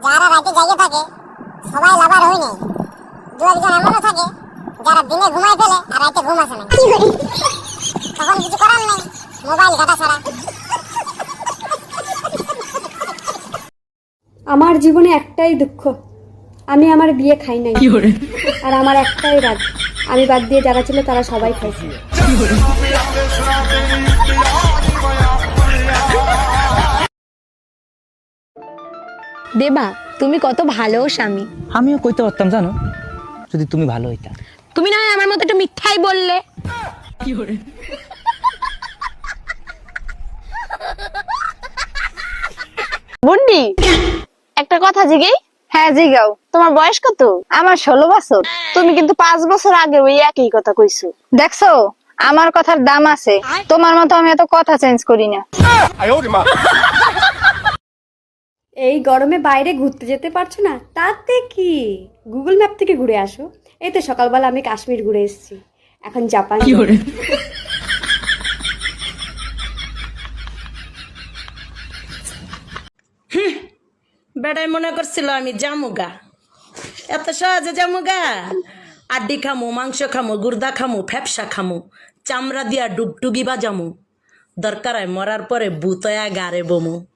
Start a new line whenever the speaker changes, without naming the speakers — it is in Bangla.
যারা রাতে জাগে থাকে সবাই লাভার হয় নাই। দু একজন এমনও থাকে যারা দিনে ঘুমায় ফেলে আর রাতে ঘুম আসে না। তখন কিছু করার নেই, মোবাইল ঘাটা ছাড়া।
আমার জীবনে একটাই দুঃখ, আমি আমার বিয়ে খাই নাই। আর আমার একটাই রাগ, আমি বাদ দিয়ে যারা ছিল তারা সবাই খাইছে।
দেবা, তুমি কত ভালো স্বামী।
আমিও কইতে পারতাম জানো, যদি তুমি ভালো হইতা।
তুমি না হয় আমার মতো একটু মিথ্যাই বললে।
বুন্ডি, একটা কথা জিগেই। হ্যাঁ জিগাও। তোমার বয়স কত? আমার 16 বছর। তুমি কিন্তু 5 বছর আগে ওই একই কথা কইছো। দেখছো আমার কথার দাম আছে, তোমার মতো আমি এত কথা চেঞ্জ করি না।
এই গরমে বাইরে ঘুরতে যেতে পারছো না, তাতে কি গুগল ম্যাপ থেকে ঘুরে আসো। এই তো সকালবেলা আমি কাশ্মীর ঘুরে এসেছি, এখন জাপান।
বেড়াই মনে করছিল আমি জামুগা, এত সহজে জামুগা? আড্ডি খামু, মাংস খামু, গুর্দা খামু, ফ্যাপসা খামু, চামড়া দিয়া ডুগডুগি বাজামু, দরকার হয় মরার পরে বুতয়া গারে বমু।